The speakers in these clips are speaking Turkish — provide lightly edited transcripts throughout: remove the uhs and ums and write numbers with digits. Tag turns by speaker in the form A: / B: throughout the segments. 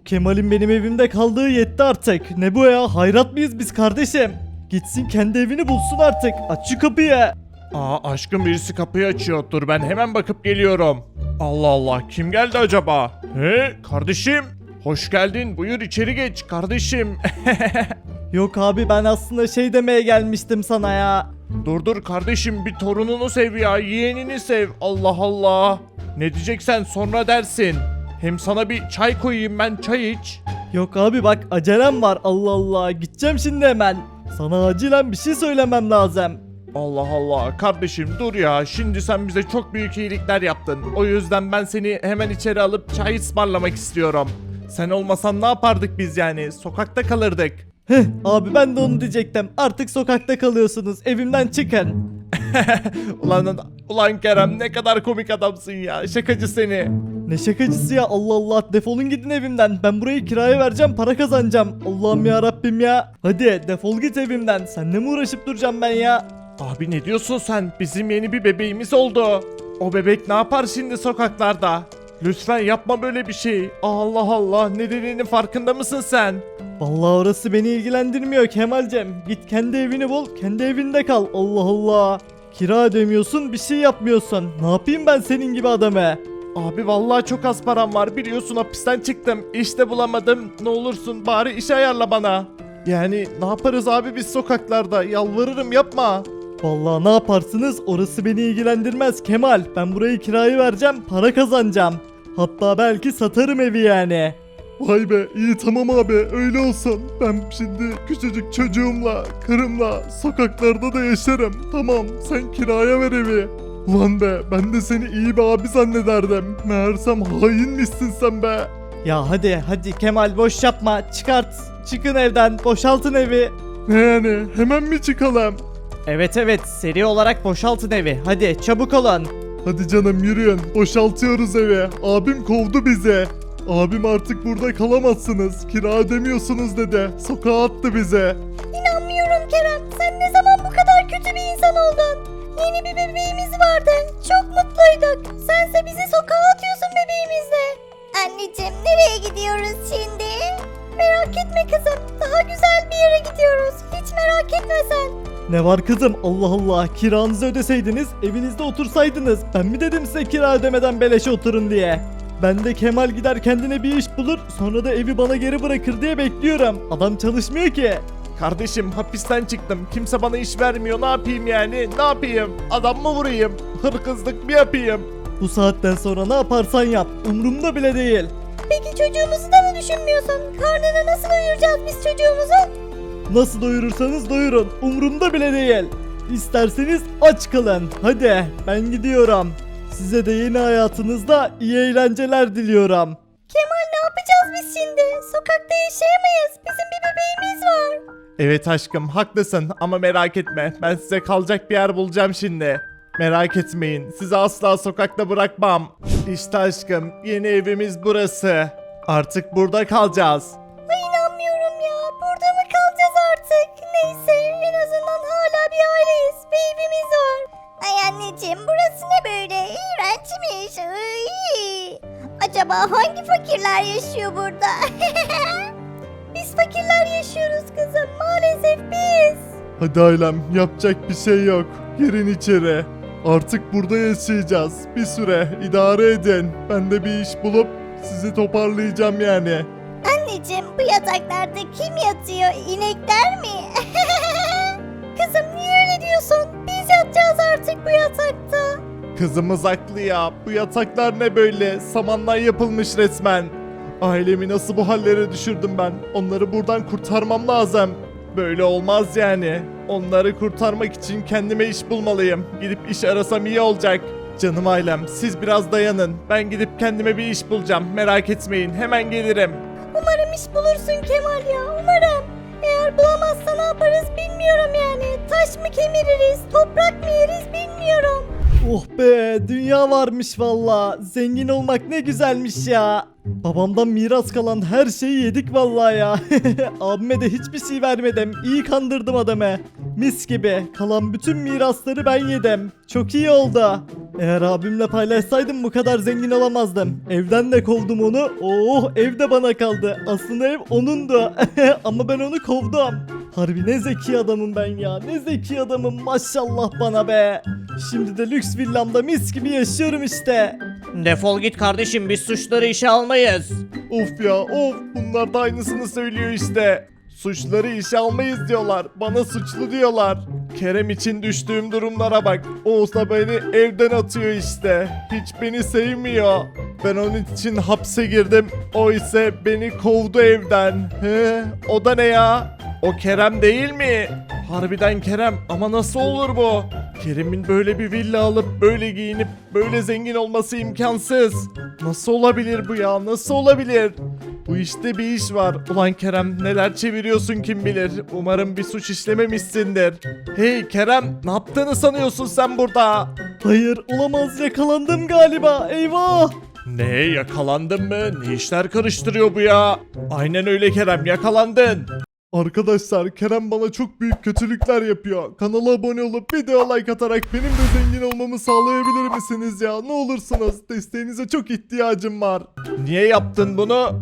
A: Kemal'in benim evimde kaldığı yetti artık. Ne bu ya? Hayrat mıyız biz kardeşim? Gitsin kendi evini bulsun artık. Aç şu kapıyı.
B: Aa aşkım birisi kapıyı açıyor. Dur ben hemen bakıp geliyorum. Allah Allah kim geldi acaba? He kardeşim. Hoş geldin. Buyur içeri geç kardeşim.
A: Yok abi ben aslında şey demeye gelmiştim sana ya.
B: Dur kardeşim bir torununu sev ya. Yeğenini sev. Allah Allah. Ne diyeceksen sonra dersin. Hem sana bir çay koyayım ben çay iç.
A: Yok abi bak acelem var. Allah Allah. Gideceğim şimdi hemen. Sana acilen bir şey söylemem lazım.
B: Allah Allah kardeşim dur ya şimdi sen bize çok büyük iyilikler yaptın. O yüzden ben seni hemen içeri alıp çay ısmarlamak istiyorum. Sen olmasan ne yapardık biz yani sokakta kalırdık.
A: Heh, abi ben de onu diyecektim. Artık sokakta kalıyorsunuz. Evimden çıkın.
B: Ulan Kerem ne kadar komik adamsın ya şakacı seni.
A: Ne şakacısı ya, Allah Allah, defolun gidin evimden. Ben burayı kiraya vereceğim, para kazanacağım. Allah'ım ya Rabbim ya. Hadi defol git evimden. Seninle mi uğraşıp duracağım ben ya?
B: Abi ne diyorsun sen bizim yeni bir bebeğimiz oldu. O bebek ne yapar şimdi sokaklarda? Lütfen yapma böyle bir şey. Allah Allah ne dediğinin farkında mısın sen?
A: Vallahi orası beni ilgilendirmiyor Kemalcem. Git kendi evini bul, kendi evinde kal. Allah Allah. Kira ödemiyorsun, bir şey yapmıyorsun. Ne yapayım ben senin gibi adamı?
B: Abi vallahi çok az param var biliyorsun hapisten çıktım iş de bulamadım ne olursun bari iş ayarla bana. Yani ne yaparız abi biz sokaklarda yalvarırım yapma.
A: Vallahi ne yaparsınız orası beni ilgilendirmez Kemal. Ben burayı kiraya vereceğim, para kazanacağım. Hatta belki satarım evi yani.
B: Vay be iyi tamam abi öyle olsun ben şimdi küçücük çocuğumla karımla sokaklarda da yaşarım tamam sen kiraya ver evi. Ulan be ben de seni iyi bir abi zannederdim meğersem hainmişsin sen be.
A: Ya hadi Kemal boş yapma, çıkart. Çıkın evden, boşaltın evi.
B: Ne yani hemen mi çıkalım?
A: Evet seri olarak boşaltın evi. Hadi çabuk olun.
B: Hadi canım yürüyün. Boşaltıyoruz evi. Abim kovdu bizi. Abim artık burada kalamazsınız. Kira ödemiyorsunuz dedi. Sokağa attı bize.
C: İnanmıyorum Kerem. Sen ne zaman bu kadar kötü bir insan oldun? Yeni bir bebeğimiz vardı. Çok mutluyduk. Sense bizi sokağa atıyorsun bebeğimizle. Anneciğim nereye gidiyoruz şimdi? Merak etme kızım. Daha güzel bir yere gidiyoruz. Hiç merak etme sen.
A: Ne var kızım, Allah Allah, kiranızı ödeseydiniz evinizde otursaydınız. Ben mi dedim size kira ödemeden beleşe oturun diye? Ben de Kemal gider kendine bir iş bulur, sonra da evi bana geri bırakır diye bekliyorum. Adam çalışmıyor ki.
B: Kardeşim hapisten çıktım. Kimse bana iş vermiyor. Ne yapayım yani? Ne yapayım? Adam mı vurayım? Hırkızlık mı yapayım?
A: Bu saatten sonra ne yaparsan yap, umurumda bile değil.
C: Peki çocuğumuzu da mı düşünmüyorsun? Karnını nasıl doyuracağız biz çocuğumuzu?
A: Nasıl doyurursanız doyurun, umurumda bile değil. İsterseniz aç kalın. Hadi ben gidiyorum. Size de yeni hayatınızda iyi eğlenceler diliyorum.
C: Kemal ne yapacağız biz şimdi? Sokakta yaşayamayız. Bizim bir bebeğimiz var.
B: Evet aşkım haklısın ama merak etme. Ben size kalacak bir yer bulacağım şimdi. Merak etmeyin. Sizi asla sokakta bırakmam. İşte aşkım yeni evimiz burası. Artık burada kalacağız.
C: Ay inanmıyorum ya. Burada mı kalacağız artık? Neyse en azından hala bir aileyiz. Bir evimiz var. Ay anneciğim burası ne böyle? İğrençmiş. Iy. Acaba hangi fakirler yaşıyor burada? Biz fakirler yaşıyoruz kızım. Maalesef biz.
B: Hadi ailem yapacak bir şey yok. Girin içeri. Artık burada yaşayacağız. Bir süre idare edin. Ben de bir iş bulup sizi toparlayacağım yani.
C: Anneciğim bu yataklarda kim yatıyor? İnekler mi? Kızım niye öyle diyorsun? Biz yatacağız artık bu yatakta.
B: Kızımız haklı ya. Bu yataklar ne böyle? Samandan yapılmış resmen. Ailemi nasıl bu hallere düşürdüm ben? Onları buradan kurtarmam lazım. Böyle olmaz yani. Onları kurtarmak için kendime iş bulmalıyım. Gidip iş arasam iyi olacak. Canım ailem siz biraz dayanın. Ben gidip kendime bir iş bulacağım. Merak etmeyin hemen gelirim.
C: Umarım iş bulursun Kemal ya umarım. Eğer bulamazsa ne yaparız bilmiyorum yani. Taş mı kemiririz, toprak mı yeriz bilmiyorum.
A: Oh be, dünya varmış valla. Zengin olmak ne güzelmiş ya. Babamdan miras kalan her şeyi yedik valla ya. Abime de hiçbir şey vermedim. İyi kandırdım adamı. Mis gibi. Kalan bütün mirasları ben yedim. Çok iyi oldu. Eğer abimle paylaşsaydım bu kadar zengin olamazdım. Evden de kovdum onu. Oh, ev de bana kaldı. Aslında ev onundu. Ama ben onu kovdum. Harbi ne zeki adamım ben ya. Ne zeki adamım, maşallah bana be. Şimdi de lüks villamda mis gibi yaşıyorum işte.
D: Defol git kardeşim, biz suçları işe almayız.
B: Of ya of, bunlar da aynısını söylüyor işte. Suçları işe almayız diyorlar. Bana suçlu diyorlar. Kerem için düştüğüm durumlara bak. Oğuz da beni evden atıyor işte. Hiç beni sevmiyor. Ben onun için hapse girdim. O ise beni kovdu evden. He, o da ne ya? O Kerem değil mi? Harbiden Kerem, ama nasıl olur bu? Kerem'in böyle bir villa alıp böyle giyinip böyle zengin olması imkansız. Nasıl olabilir bu ya? Nasıl olabilir? Bu işte bir iş var. Ulan Kerem, neler çeviriyorsun kim bilir. Umarım bir suç işlememişsindir. Hey Kerem, ne yaptığını sanıyorsun sen burada?
A: Hayır, olamaz, yakalandım galiba. Eyvah.
B: Ne, yakalandın mı? Ne işler karıştırıyor bu ya? Aynen öyle Kerem, yakalandın. Arkadaşlar, Kerem bana çok büyük kötülükler yapıyor. Kanala abone olup video like atarak benim de zengin olmamı sağlayabilir misiniz ya? Ne olursunuz, desteğinize çok ihtiyacım var. Niye yaptın bunu?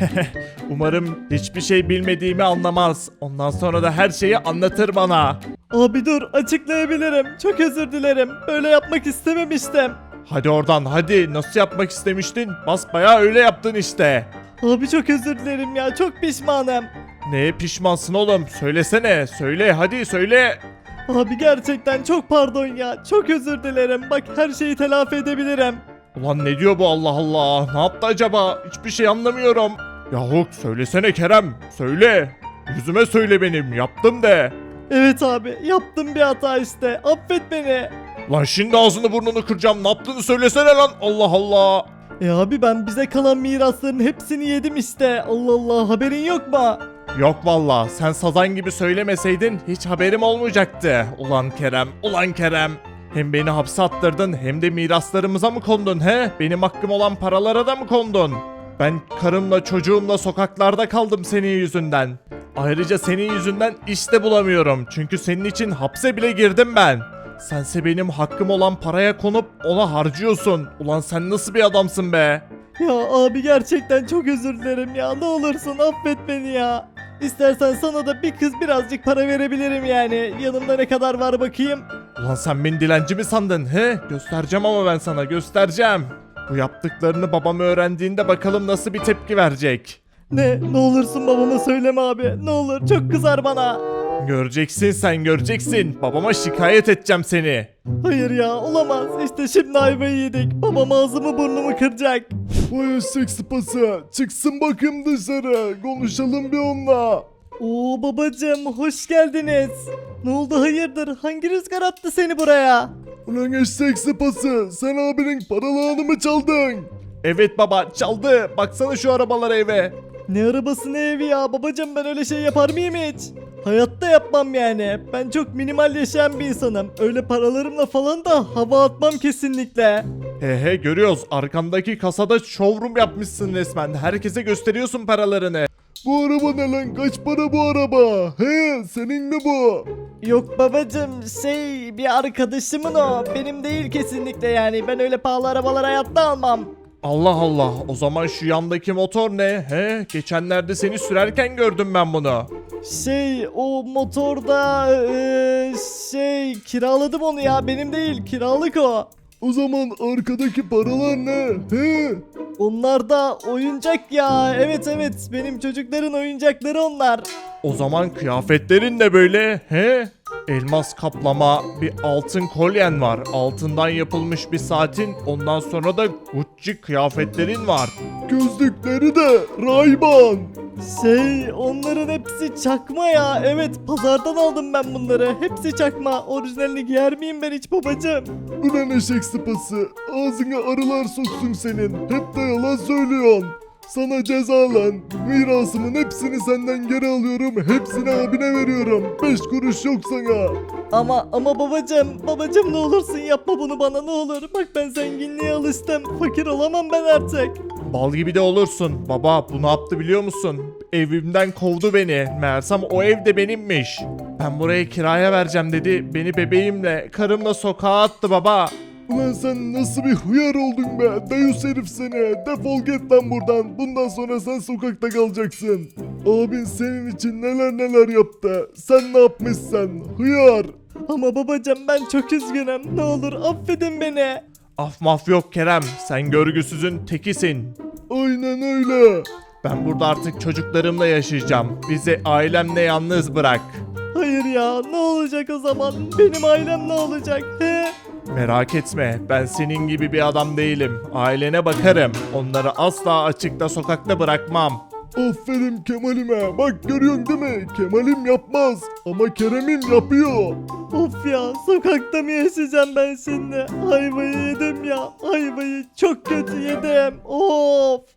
B: Umarım hiçbir şey bilmediğimi anlamaz. Ondan sonra da her şeyi anlatır bana.
A: Abi dur, açıklayabilirim. Çok özür dilerim. Böyle yapmak istememiştim.
B: Hadi oradan, hadi. Nasıl yapmak istemiştin? Basbayağı öyle yaptın işte.
A: Abi çok özür dilerim ya. Çok pişmanım.
B: Neye pişmansın oğlum? Söylesene. Söyle, hadi söyle.
A: Abi gerçekten çok pardon ya. Çok özür dilerim. Bak, her şeyi telafi edebilirim.
B: Ulan ne diyor bu, Allah Allah? Ne yaptı acaba? Hiçbir şey anlamıyorum. Yahu söylesene Kerem. Söyle. Yüzüme söyle benim. Yaptım de.
A: Evet abi, yaptım bir hata işte. Affet beni.
B: Lan şimdi ağzını burnunu kıracağım. Ne yaptığını söylesene lan. Allah Allah.
A: Abi ben bize kalan mirasların hepsini yedim işte. Allah Allah, haberin yok mu?
B: Yok valla, sen sazan gibi söylemeseydin hiç haberim olmayacaktı. Ulan Kerem, ulan Kerem. Hem beni hapse attırdın hem de miraslarımıza mı kondun he? Benim hakkım olan paralara da mı kondun? Ben karımla çocuğumla sokaklarda kaldım senin yüzünden. Ayrıca senin yüzünden iş de bulamıyorum. Çünkü senin için hapse bile girdim ben. Sense benim hakkım olan paraya konup ona harcıyorsun. Ulan sen nasıl bir adamsın be?
A: Ya abi gerçekten çok özür dilerim ya. Ne olursun affet beni ya. İstersen sana da bir kız birazcık para verebilirim yani. Yanımda ne kadar var bakayım.
B: Ulan sen beni dilenci mi sandın he? Göstereceğim ama ben sana, göstereceğim. Bu yaptıklarını babam öğrendiğinde bakalım nasıl bir tepki verecek.
A: Ne olursun babama söyleme abi. Ne olur, çok kızar bana.
B: Göreceksin, sen göreceksin. Babama şikayet edeceğim seni.
A: Hayır ya, olamaz. İşte şimdi ayvayı yedik. Babam ağzımı burnumu kıracak.
B: Vay eşek sıpası. Çıksın bakayım dışarı. Konuşalım bir onunla.
A: Oo babacım, hoş geldiniz. Ne oldu, hayırdır? Hangi rüzgar attı seni buraya?
B: Ulan eşek sıpası. Sen abinin paralarını mı çaldın? Evet baba, çaldı. Baksana şu arabalara eve.
A: Ne arabası ne evi ya babacım, ben öyle şey yapar mıyım hiç? Hayatta yapmam yani. Ben çok minimal yaşayan bir insanım. Öyle paralarımla falan da hava atmam kesinlikle.
B: He görüyoruz. Arkandaki kasada showroom yapmışsın resmen. Herkese gösteriyorsun paralarını. Bu araba ne lan? Kaç para bu araba? He, senin mi bu?
A: Yok babacım, bir arkadaşımın o. Benim değil kesinlikle yani. Ben öyle pahalı arabalar hayatta almam.
B: Allah Allah. O zaman şu yandaki motor ne? He, geçenlerde seni sürerken gördüm ben bunu.
A: O motorda kiraladım onu ya, benim değil, kiralık o.
B: O zaman arkadaki paralar ne? He?
A: Onlar da oyuncak ya. Evet benim çocukların oyuncakları onlar.
B: O zaman kıyafetlerin de böyle. He? Elmas kaplama bir altın kolyen var. Altından yapılmış bir saatin. Ondan sonra da Gucci kıyafetlerin var. Gözlükleri de Ray-Ban.
A: Onların hepsi çakma ya. Evet, pazardan aldım ben bunları. Hepsi çakma. Orijinalini giyer miyim ben hiç babacığım?
B: Ulan eşek sıpası. Ağzına arılar soksun senin. Hep de yalan söylüyorsun. Sana ceza lan. Mirasımın hepsini senden geri alıyorum. Hepsini abine veriyorum. 5 kuruş yok sana.
A: Ama babacığım ne olursun yapma bunu bana, ne olur. Bak ben zenginliğe alıştım. Fakir olamam ben artık.
B: Bal gibi de olursun. Baba bu ne yaptı biliyor musun? Evimden kovdu beni. Meğersem o ev de benimmiş. Ben burayı kiraya vereceğim dedi. Beni bebeğimle, karımla sokağa attı baba. Ulan sen nasıl bir hıyar oldun be? Deus herif seni. Defol git lan buradan. Bundan sonra sen sokakta kalacaksın. Abin senin için neler neler yaptı. Sen ne yapmışsın? Hıyar.
A: Ama babacım ben çok üzgünüm. Ne olur affedin beni.
B: Af maf yok Kerem. Sen görgüsüzün tekisin. Aynen öyle. Ben burada artık çocuklarımla yaşayacağım. Bizi ailemle yalnız bırak.
A: Hayır ya, ne olacak o zaman? Benim ailem ne olacak? He?
B: Merak etme, ben senin gibi bir adam değilim. Ailene bakarım. Onları asla açıkta sokakta bırakmam. Aferin Kemal'ime. Bak görüyorsun değil mi? Kemal'im yapmaz ama Kerem'im yapıyor.
A: Of ya, sokakta mı yaşayacağım ben şimdi? Ayvayı yedim ya. Ayvayı çok kötü yedim. Of.